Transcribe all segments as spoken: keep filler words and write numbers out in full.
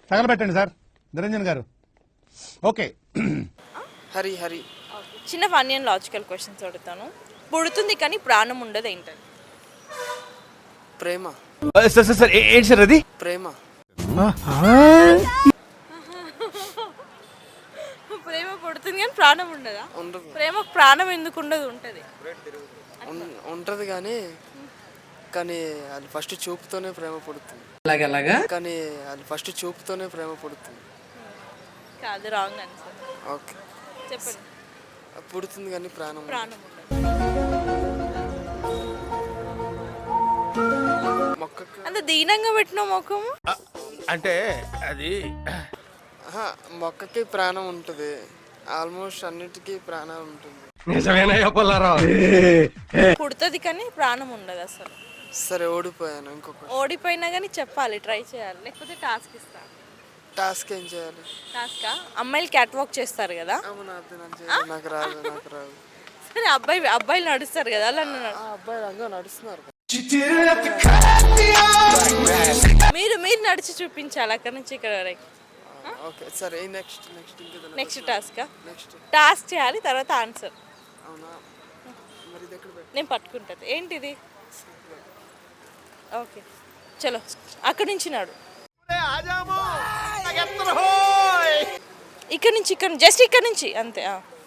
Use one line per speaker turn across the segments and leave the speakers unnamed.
తగలబెట్టండి sir Niranjan గారు. Okay
Hari Hari
చిన్న funny and logical questions అడుగుతాను. పుడుతుంది కానీ ప్రాణం ఉండదు ఏంటది?
ప్రేమ.
సార్ సార్ సార్ ఏంటి సార్ అది?
ప్రేమ.
ప్రేమ పుడుతుంది కానీ ప్రాణం ఉండదా?
ఉండదు.
ప్రేమకు ప్రాణం ఎందుకు ఉండదు? ఉంటది
ఉంటది కానీ కానీ అది ఫస్ట్ చూపుతోనే ప్రేమ పుడుతుంది.
అలాగలాగా
కానీ అది ఫస్ట్ చూపుతోనే ప్రేమ పుడుతుంది.
కాదు, రాంగ్ ఆన్సర్.
ఓకే
చెప్పండి.
పుడుతుంది కానీ ప్రాణం
ప్రాణం ఉండదు.
మొక్కకు
అంత దీనంగా పెట్టిన ముఖము
అంటే అది
ఆహా, మొక్కకి ప్రాణం ఉంటుంది. ఆల్మోస్ట్ అన్నిటికీ ప్రాణం ఉంటుంది.
నిజమేనయ్యా పుల్లారావు.
పుడుతుంది కానీ ప్రాణం ఉండదు అసలు.
సరే ఓడిపోయాను. ఇంకొక
ఓడిపోయినా కానీ చెప్పాలి, ట్రై చేయాలి, లేకపోతే టాస్క్ ఇస్తా.
టాస్క్ ఏం చేయాలి?
టాస్కా? అమ్మాయిలు క్యాట్ వాక్ చేస్తారు కదా,
అవునా, అది నాకు చేయాలి. నాకు రాదు నాకు రాదు.
సరే అబ్బాయి అబ్బాయిలు నడుస్తారు కదా, అలా నడు-
ఆ అబ్బాయి రంగా నడుస్తున్నారు.
మీరు మీరు నడిచి చూపించాలి అక్కడ నుంచి ఇక్కడ వరకు.
ఓకే సరే నెక్స్ట్ నెక్స్ట్ ఇంకా
నెక్స్ట్ టాస్కా?
నెక్స్ట్
టాస్క్ చేయాలి, తర్వాత ఆన్సర్
అవునా, మరి ఇది ఎక్కడ పెట్టు?
నేను పట్టుకుంటుంది. ఏంటిది? ఓకే చలో అక్కడి నుంచి నాడు. ఇక్కడ నుంచి ఇక్కడ జస్ట్ ఇక్కడ నుంచి అంతే.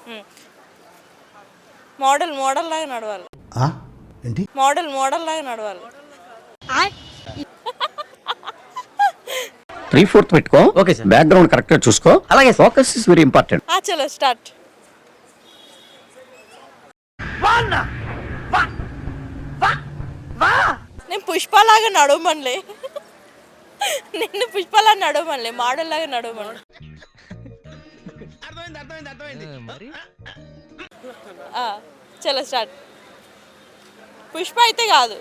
మోడల్ మోడల్ లాగా నడవాలి.
ఏంటి
మోడల్ మోడల్ లాగా నడవాలి.
త్రీ ఫోర్త్ పెట్టుకో. Okay sir. బ్యాక్గ్రౌండ్ కరెక్ట్ గా చూసుకో. అలాగే ఫోకస్ ఇస్ వెరీ ఇంపార్టెంట్.
ఆ చలో స్టార్ట్. నేను పుష్పలాగా నడవమనిలే, నిన్ను పుష్పలా నడవమనిలే, మోడల్ లాగా నడవమని. చలో స్టార్ట్. పుష్ప అయితే కాదు.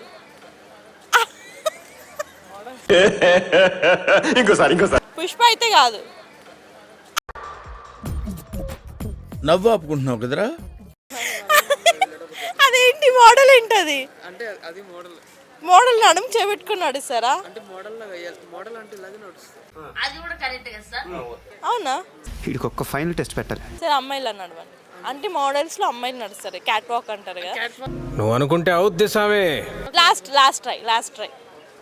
ఇంకోసారి ఇంకోసారి
పుష్ప అయితే కాదు.
నవ్వు ఆపుకుంటున్నావు కదరా.
అదేంటి మోడల్ ఏంటది?
అంటే అది మోడల్.
మోడల్ నడుము చేపెట్టుకుని నడుస్తారా?
అంటే మోడల్ లాగా వేయాలి. మోడల్ అంటే ఇలాగే నడుస్తుంది.
అవునా?
వీడికి ఒక్క ఫైనల్ టెస్ట్ పెట్టాలి.
సరే అమ్మాయిలు నడవండి. అంటే మోడల్స్ లో అమ్మాయిలు నడుస్తారు, క్యాట్ వాక్ అంటారు కదా.
నువ్వు అనుకుంటే అవుద్ది సామే.
Last last try last try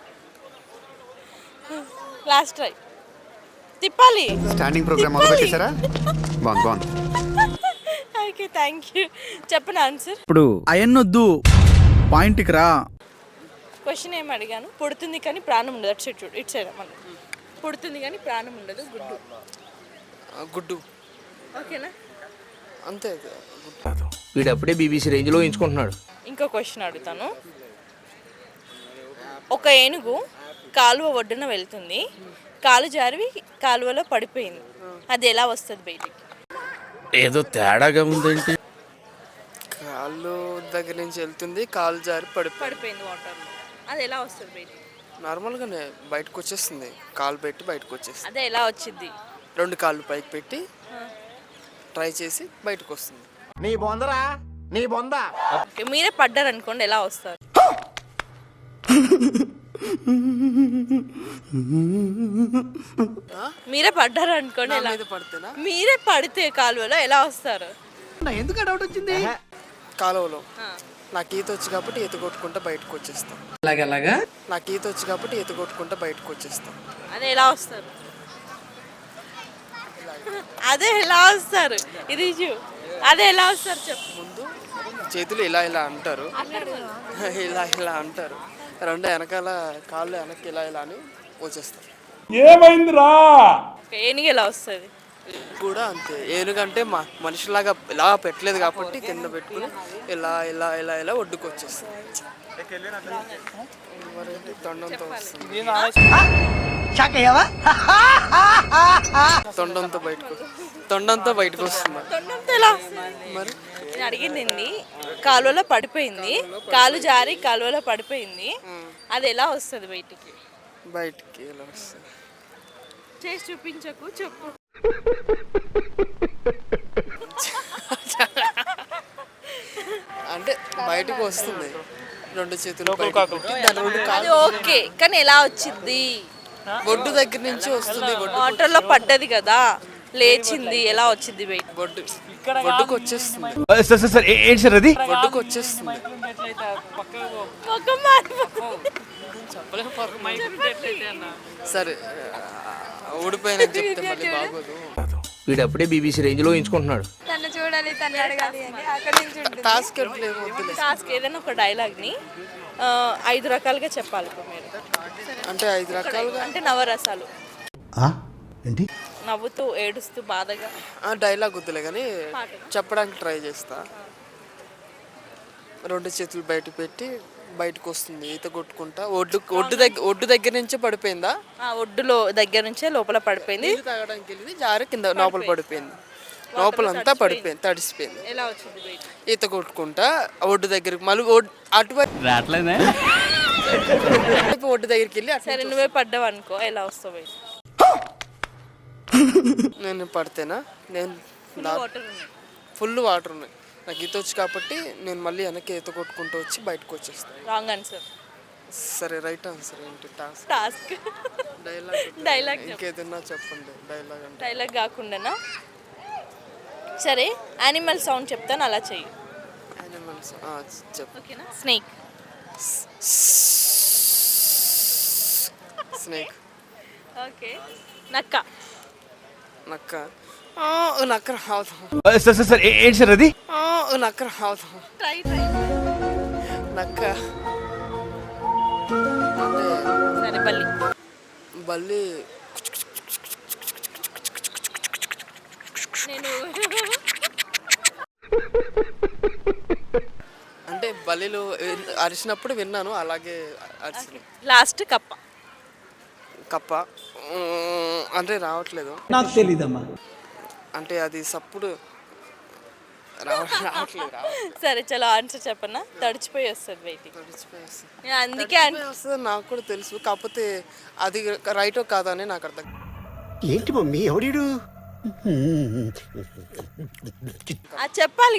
last try తిప్పాలి.
స్టాండింగ్ ప్రోగ్రామ్ మొదలు పెట్టేశారా? బాగుంది బాగుంది.
Okay thank you. చెప్పండి ఆన్సర్.
ఇప్పుడు అయన్నొద్దు, పాయింట్కి రా.
క్వశ్చన్ ఏం అడిగాను? పుడుతుంది కానీ ప్రాణం ఉండదు. అటు సైడ్ చూడు, ఇటు సైడ్ మన పుడుతుంది కానీ ప్రాణం ఉండదు. గుడ్డు.
ఆ, గుడ్డు.
ఓకేనా?
అంతే.
వీడు అప్పుడే బీబీసీ రేంజ్ లో ఎంచుకుంటున్నాడు.
ఇంకో క్వశ్చన్ అడుగుతాను. ఒక ఏనుగు కాలువ ఒడ్డున వెళ్తుంది, కాలు జారి కాలువలో పడిపోయింది. అది ఎలా వస్తుంది బయటికి?
ఏదో తేడాగా ఉందేంటి?
కాళ్ళు దగ్గర నుంచి వెళ్తుంది, కాలు జారి పడిపోయి
పడిపోయింది వాటర్లో. అది ఎలా వస్తుంది బయటికి?
నార్మల్గానే బయటకు వచ్చేస్తుంది. కాలు పెట్టి బయటకు వచ్చేస్తుంది.
అదే ఎలా వచ్చింది?
రెండు కాళ్ళు పైకి పెట్టి ట్రై చేసి బయటకు వస్తుంది.
నీ బొందరా నీ బొంద.
ఓకే, మీరే పడ్డారు అనుకోండి, ఎలా వస్తారు? మీరే పడ్డారు అనుకోండి, ఎలా?
మీద పడితేనా?
మీరే పడితే కాలువలో ఎలా వస్తారు?
ఎందుకు డౌట్ వచ్చింది?
కాలువలో నాకు ఈత వచ్చి కాబట్టి ఈత కొట్టుకుంటా బయటకు వచ్చేస్తాం.
అలాగలాగా
నాకు ఈత వచ్చి కాబట్టి ఈత కొట్టుకుంటా బయటకు వచ్చేస్తాం.
అదే ఎలా వస్తారు? అదే ఎలా వస్తారు? ఇది చూ, అదే ఎలా వస్తారు చెప్పు.
ముందు చేతులు ఇలా ఇలా అంటారు, ఇలా ఇలా అంటారు, రెండు వెనకాల కాళ్ళు వెనక్కి ఇలా ఇలా అని వచ్చేస్తారు.
ఓకే, ఏనుగు ఎలా వస్తుంది?
కూడా అంతే. ఏనుగంటే మా మనిషిలాగా ఇలా పెట్టలేదు కాబట్టి కింద పెట్టుకుని ఇలా ఇలా ఇలా ఇలా ఒడ్డుకు వచ్చేస్తుంది. మరేంటి తొండంతో వస్తుంది. తొండంతో బయటకు తొండంతో బయటకు వస్తుంది.
తొండంతో ఎలా వస్తుంది?
మరి
నేను అడిగింది కాలువలో పడిపోయింది, కాలు జారి కాలువలో పడిపోయింది, అది ఎలా వస్తుంది బయటికి?
బయటికి ఇలా వస్తుంది.
చేసి చూపించకు, చెప్పు.
అంటే బయటకు వస్తుంది రెండు చేతులు పైకి పెట్టి, దాని రెండు
అది
కాళ్ళు.
ఓకే, కానీ ఎలా వచ్చింది?
ఒడ్డు దగ్గర నుంచి వస్తుంది. ఒడ్డు
వాటర్లో పడ్డది కదా, లేచింది, ఎలా వచ్చింది వెయిట్?
ఒడ్డు ఒడ్డుకు వచ్చేస్తుంది.
సార్ సార్ సార్ ఏ- ఏంటి సార్ అది?
ఒడ్డుకు వచ్చేస్తుంది.
ముఖం మారిపోతుంది.
సరే ఊడిపోయిన చెప్తే మళ్ళీ బాగోదు.
వీడు అప్పుడే బీబీసీ రేంజ్ లో ఎంచుకుంటున్నాడు.
తను చూడాలి, తను అడగాలి అని అక్కడ నుంచి ఉంటుంది.
టాస్క్ ఎట్లేదు వద్దులే.
టాస్క్ ఏదైనా ఒక డైలాగ్ని ఆ, ఐదు రకాలుగా చెప్పాలి ఇప్పుడు మీరు.
అంటే ఐదు రకాలుగా
అంటే నవరసాలు.
ఆ? ఏంటి?
నవ్వుతూ, ఏడుస్తూ, బాధగా.
ఆ డైలాగ్ వద్దులే కానీ చెప్పడానికి ట్రై చేస్తా. రెండు చేతులు బయట పెట్టి బయటకు వస్తుంది ఈత కొట్టుకుంటా. ఒడ్డు ఒడ్డు దగ్గర ఒడ్డు దగ్గర నుంచే పడిపోయిందా?
ఆ, ఒడ్డులో దగ్గర నుంచే లోపల పడిపోయింది.
నీళ్ళు తాగడానికి వెళ్ళింది, జారి కింద లోపల పడిపోయింది. లోపలంతా పడిపోయింది, తడిసిపోయింది.
ఎలా వచ్చింది వెయిట్?
ఈత కొట్టుకుంటా ఒడ్డు దగ్గరికి మళ్ళీ ఒడ్డు అటువైపు ఒడ్డు దగ్గరికి వెళ్ళి అటు
సరే నువ్వే పడ్డావు అనుకో, ఎలా వస్తావు వెయిట్?
నేను పడితేనా? నేను
వాటర్ ఉన్నాయి.
ఫుల్ వాటర్ ఉన్నాయి. నాకు ఈత వచ్చు కాబట్టి నేను మళ్ళీ వెనక్కి ఈత కొట్టుకుంటూ వచ్చి బయటకు వచ్చేస్తాను.
Wrong answer.
సరే రైట్ ఆన్సర్ ఏంటి? టాస్క్
టాస్క్
డైలాగ్
డైలాగ్
ఇంకేదన్నా చెప్పండి. డైలాగ్ అంటే
డైలాగ్ కాకుండానా? సరే యానిమల్ సౌండ్ చెప్తాను, అలా చెయ్యి.
యానిమల్స్ చెప్పు.
ఓకేనా? స్నేక్.
స్నేక్.
ఓకే. నక్క.
నక్క. ఆ, నక్క రావదు.
సార్ సార్ సార్ ఏ- ఏంటి సార్ అది?
ఆ, నక్క రావదు.
Try try.
నక్క
సరే బల్లి.
బల్లి.
నేను
అంటే బల్లిలు అరిచినప్పుడు విన్నాను, అలాగే అరిచి.
లాస్ట్ కప్ప.
కప్ప. ఉమ్, అంటే రావట్లేదు
నాకు తెలీదమ్మా.
అంటే అది సప్పుడు రావ రావట్లేదు రావట్లేదు.
సరే చలో ఆన్సర్ చెప్పనా? తడిచిపోయి వస్తుంది వెయిటింగ్.
తడిచిపోయి వస్తుంది.
నేను అందుకే అన్-
తడిచిపోయి వస్తుంది నాకు కూడా తెలుసు, కాకపోతే అది రైటో కాదా అని నాకు అర్థం.
ఏంటి మమ్మీ ఎవడీడు?
అది చెప్పాలి